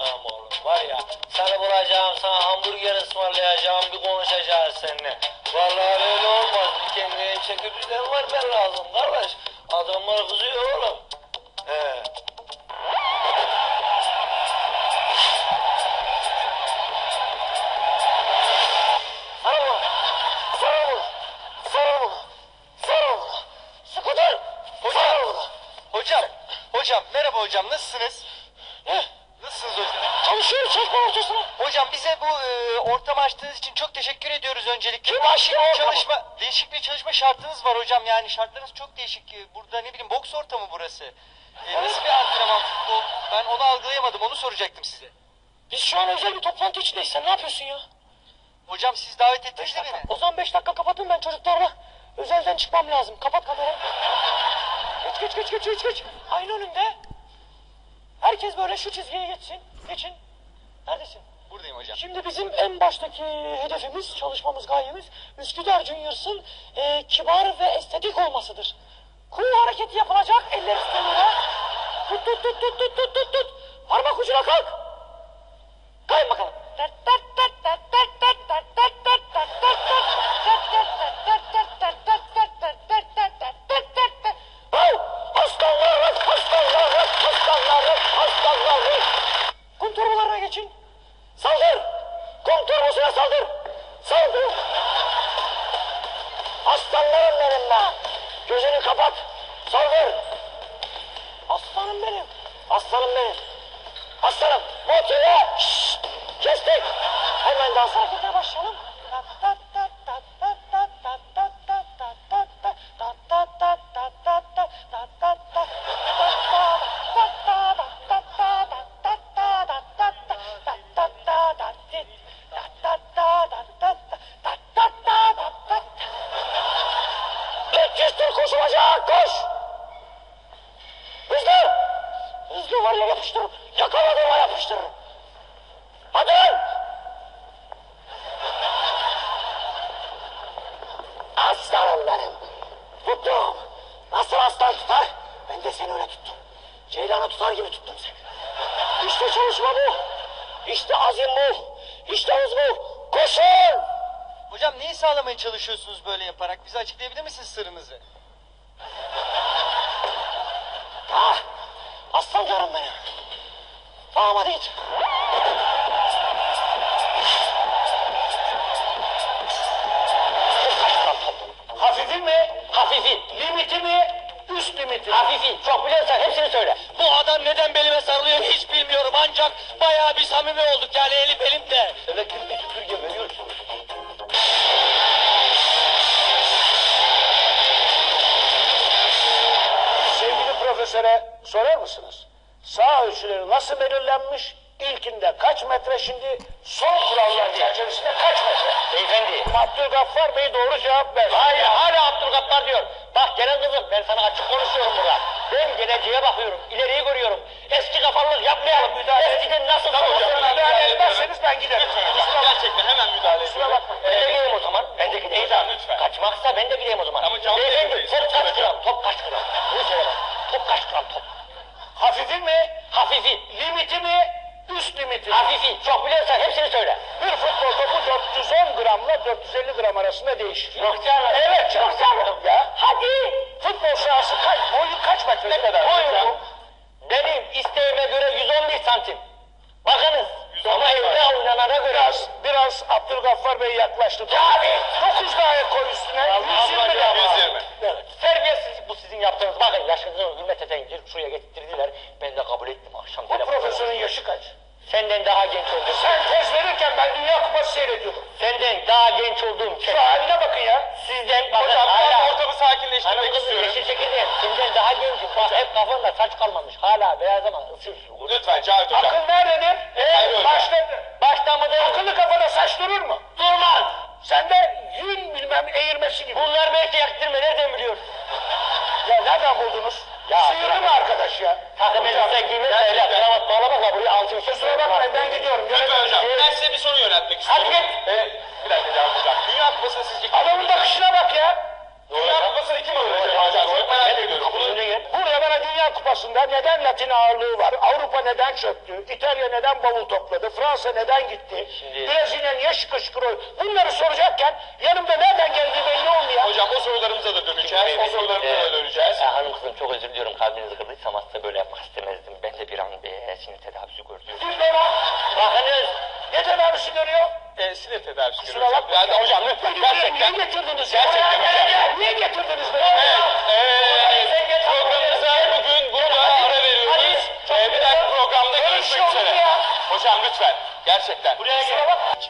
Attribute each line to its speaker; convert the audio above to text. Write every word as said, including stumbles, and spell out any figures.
Speaker 1: Tamam oğlum, var ya seni bulacağım, sana hamburger ısmarlayacağım, bir konuşacağız seninle. Vallahi öyle olmaz, bir kendine çeki düzen vermen lazım kardeş. Adamlar kızıyor oğlum. He. Sana vur, sana vur, sana vur, sana vur. Skuter, hocam,
Speaker 2: Hocam, hocam merhaba hocam, nasılsınız?
Speaker 1: ne?
Speaker 2: Nasılsınız hocam?
Speaker 1: Çalışıyor çekme ortasına.
Speaker 2: Hocam bize bu e, ortamı açtığınız için çok teşekkür ediyoruz öncelikle.
Speaker 1: Kim
Speaker 2: Değişik
Speaker 1: açtı
Speaker 2: bir
Speaker 1: ortamı?
Speaker 2: çalışma, değişik bir çalışma şartınız var hocam, yani şartlarınız çok değişik. E, Burada ne bileyim boks ortamı burası. E, nasıl bir antrenman futbol? Ben onu algılayamadım, onu soracaktım size.
Speaker 1: Biz şu an özel bir toplantı içindeyiz. Sen ne yapıyorsun ya?
Speaker 2: Hocam siz davet ettiniz de beni.
Speaker 1: O zaman beş dakika kapatın, ben çocuklarla özelden çıkmam lazım. Kapat kamerayı. Geç geç geç geç geç geç. Aynı önünde. Herkes böyle şu çizgiye geçsin. Geçin. Neredesin?
Speaker 2: Buradayım hocam.
Speaker 1: Şimdi bizim en baştaki hedefimiz, çalışmamız, gayemiz Üsküdar Junior's'ın e, kibar ve estetik olmasıdır. Cool hareketi yapılacak, eller üstüne. Tut tut tut tut tut tut tut tut. Parmak ucuna kalk. Kayın bakalım. Aslanlarım, aslanlarım, aslanlarım, aslanlarım. Kum torbalarına geçin. Saldır. Kum torbasına saldır. Saldır. Aslanlarım benim be. Gözünü kapat. Saldır. Aslanım benim. Aslanım benim. Aslanım. Motive. Şşş. Kestik. Hemen dans hareketine başlayalım. üç yüz tur koşulacak. Koş. Hızlı. Hızlı var ya, yapıştır. Yakaladığıma yapıştır. Hadi. Aslanım benim. Tuttum. Nasıl aslan tutar? Ben de seni öyle tuttum. Ceylan'ı tutar gibi tuttum seni. İşte çalışma bu. İşte azim bu. İşte hız bu. Koşun.
Speaker 2: Hocam neyi sağlamaya çalışıyorsunuz böyle yaparak? Bize açıklayabilir misiniz sırrınızı?
Speaker 1: Ah, aslan canım benim. Tamam hadi git.
Speaker 3: Hafifi mi?
Speaker 1: Hafifi.
Speaker 3: Limiti mi? Üst limiti.
Speaker 1: Hafifi. Çok biliyorsan hepsini söyle. Bu adam neden belime sarılıyor hiç bilmiyorum. Ancak bayağı bir samimi olduk yani, elim elimde.
Speaker 3: Elektrik bir süpürge veriyorsun. Sevgili profesöre sorar mısınız? Sağ ölçüleri nasıl belirlenmiş? İlkinde kaç metre, şimdi son kurallar çerçevesinde kaç metre?
Speaker 1: Beyefendi.
Speaker 3: Abdülgaffar Bey doğru cevap ver.
Speaker 1: Hayır, hala Abdülgaffar diyor. Bak gelen kızım, ben sana açık konuşuyorum burada. Ben geleceğe bakıyorum, ileriyi görüyorum. Eski kafalılık yapmayalım. Eskiden nasıl
Speaker 3: Müdahale, müdahale etmezseniz ben giderim. Kusura bak.
Speaker 4: Gerçekten hemen müdahale
Speaker 3: Kusura
Speaker 4: ediyorum.
Speaker 3: bakma.
Speaker 1: Ben de gideyim o zaman. Ben de gideyim.
Speaker 4: Hocam, lütfen.
Speaker 1: Kaçmaksa ben de gideyim o zaman.
Speaker 4: Ama canlı
Speaker 1: Beyefendi,
Speaker 4: yayındayız.
Speaker 1: top kaç
Speaker 4: Hocam.
Speaker 1: gram? Top kaç gram? Bunu söyle bak. Top kaç gram top?
Speaker 3: Hafifi mi?
Speaker 1: Hafifi.
Speaker 3: Limiti mi? Üst limiti.
Speaker 1: Hafifi. Çok biliyorsan hepsini söyle.
Speaker 3: Bir futbol topu dört yüz on gramla dört yüz elli gram arasında değişir.
Speaker 1: Yok canım.
Speaker 3: Evet canım.
Speaker 1: Yok canım.
Speaker 3: Ya.
Speaker 1: Hadi.
Speaker 3: Futbol sahası kaç? Boyu kaç metre?
Speaker 4: Ne kadar?
Speaker 1: Boyum benim isteğime göre yüz on bir santim. Bakınız. Ama evde oynanana göre.
Speaker 3: Biraz, biraz Abdülgaffar Bey yaklaştı.
Speaker 1: Abi.
Speaker 3: dokuz daha koy üstüne.
Speaker 1: Allah
Speaker 3: yüz yirmi
Speaker 1: Allah,
Speaker 3: gram.
Speaker 4: yüz yirmi.
Speaker 1: Evet. Terbiyesiz bu sizin yaptığınız. Bakın yaşınızı hürmet edin. Şuraya getirdiler. Ben de kabul ettim akşam.
Speaker 3: Bu profesörün yaşı kaç?
Speaker 1: Senden daha genç oldum.
Speaker 3: Sen tez verirken ben Dünya Kupası seyrediyordum.
Speaker 1: Senden daha genç olduğum
Speaker 3: Şu haline bakın ya.
Speaker 1: Sizden bakın
Speaker 4: Hocam
Speaker 1: hala.
Speaker 4: ben ortamı sakinleştirmek
Speaker 1: Hanım kızım
Speaker 4: istiyorum.
Speaker 1: yeşil çekirdeğim. Senden daha gencim. Bak hep kafanda saç kalmamış. Hala beyaz ama ısırsın.
Speaker 4: Lütfen Cavit Hocam.
Speaker 3: Akıl nerededir?
Speaker 4: Hayır hocam.
Speaker 3: Başladı.
Speaker 1: Başta mı değil?
Speaker 3: Akıllı kafada saç durur mu?
Speaker 1: Durmaz.
Speaker 3: Sende yün bilmem eğirmesi gibi.
Speaker 1: Bunlar belki yaktırma. Nereden biliyor?
Speaker 3: Ya nereden buldunuz?
Speaker 1: Ya,
Speaker 3: Sıyırdı
Speaker 1: bırak.
Speaker 3: mı arkadaş ya?
Speaker 1: Takım elbise giymez öyle.
Speaker 4: gerçekten.
Speaker 1: Kravat bağlamakla buraya altı bir şey.
Speaker 3: Kusura bakmayın ben gidiyorum.
Speaker 4: Lütfen hocam.
Speaker 1: Evet.
Speaker 4: Ben size bir soru yöneltmek istiyorum.
Speaker 1: Hadi git.
Speaker 4: Ee, bir dakika Cavit Hocam. Dünya Kupası'na sizce kim
Speaker 3: Adamın
Speaker 4: alacak?
Speaker 3: bakışına bak ya.
Speaker 4: Dünya Kupası'nı kim alacak hocam? Çok merak ediyorum.
Speaker 1: Kapının önüne gel.
Speaker 3: Buraya bana Dünya Kupası'nda neden Latin ağırlığı var, Avrupa neden çöktü? İtalya neden bavul topladı? Fransa neden gitti?
Speaker 5: Şimdi-
Speaker 3: Brezilya niye şıkır şıkır oynuyor? Bunları soracakken yanımda nereden geldiği belli olmuyor.
Speaker 4: Hocam o sorularımıza da döneceğiz. O sorularımıza da döneceğiz.
Speaker 5: Ee, hanım kızım çok özür diliyorum, kalbinizi kırdıysam aslında böyle yapmak istemezdim. Ben de bir an bir sinir tedavisi gördüm.
Speaker 3: Kim bana? Bakınız. Ne tedavisi görüyor?
Speaker 4: E, sinir tedavisi
Speaker 3: Kusura
Speaker 4: görüyoruz.
Speaker 3: bakma.
Speaker 4: Yani hocam lütfen gerçekten.
Speaker 3: Niye getirdiniz?
Speaker 4: Gerçekten hocam.
Speaker 3: Niye getirdiniz beni?
Speaker 4: Evet, e, programımıza bugün burada ara veriyoruz. E, bir dahaki programda görüşmek üzere. Hocam lütfen, gerçekten.
Speaker 3: Kusura